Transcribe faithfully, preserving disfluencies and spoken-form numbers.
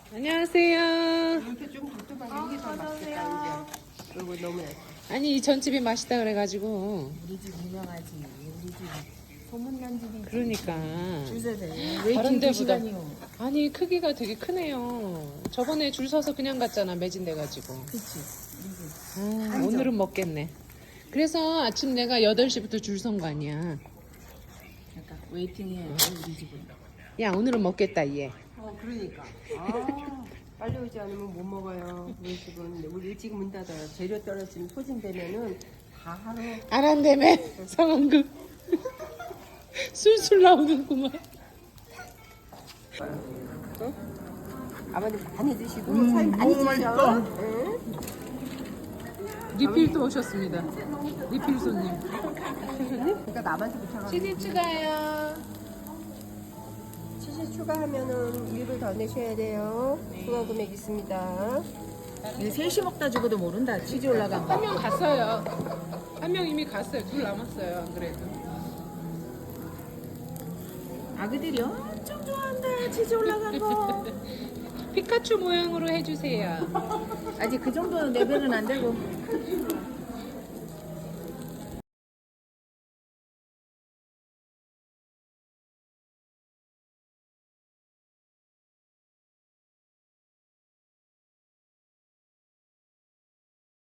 안녕하세요. 이렇게 좀 두툼한 이게 더 맛있겠다 이제. 이거 너무 얇아. 아니 이 전집이 맛있다 그래가지고. 우리 집 유명하지. 우리 집 소문난 집이지. 그러니까. 줄서대. 다른 웨이팅 두 데보다. 시간이요. 아니 크기가 되게 크네요. 저번에 줄 서서 그냥 갔잖아 매진돼가지고. 그치. 아, 아니죠. 오늘은 먹겠네. 그래서 아침 내가 여덟 시부터 줄 선 거 아니야. 약간 웨이팅해. 우리 집은. 야 오늘은 먹겠다 얘. 어 그러니까. 아 빨리 오지 않으면 못 먹어요. 우리 집은 우리 일찍 문 닫아요. 재료 떨어지면 소진되면은 다 하루. 안 한다며 상황극. 술술 나오는구만. 어? 아버님 많이 드시고 사인 많이 드셔. 응? 리필 또 오셨습니다. 리필 손님. 그러니까 남한테 붙여가지고. 치즈 추가요. 치즈 추가하면은 일 불 더 내셔야 돼요. 추가 금액 있습니다. 이거 셋이 먹다 죽어도 모른다. 치즈 올라간 한 거. 명 갔어요. 한 명 이미 갔어요. 둘 남았어요. 안 그래도. 아그들이 엄청 좋아한다. 치즈 올라간 거. 피카츄 모양으로 해주세요. 아직 그 정도 레벨은 안 되고.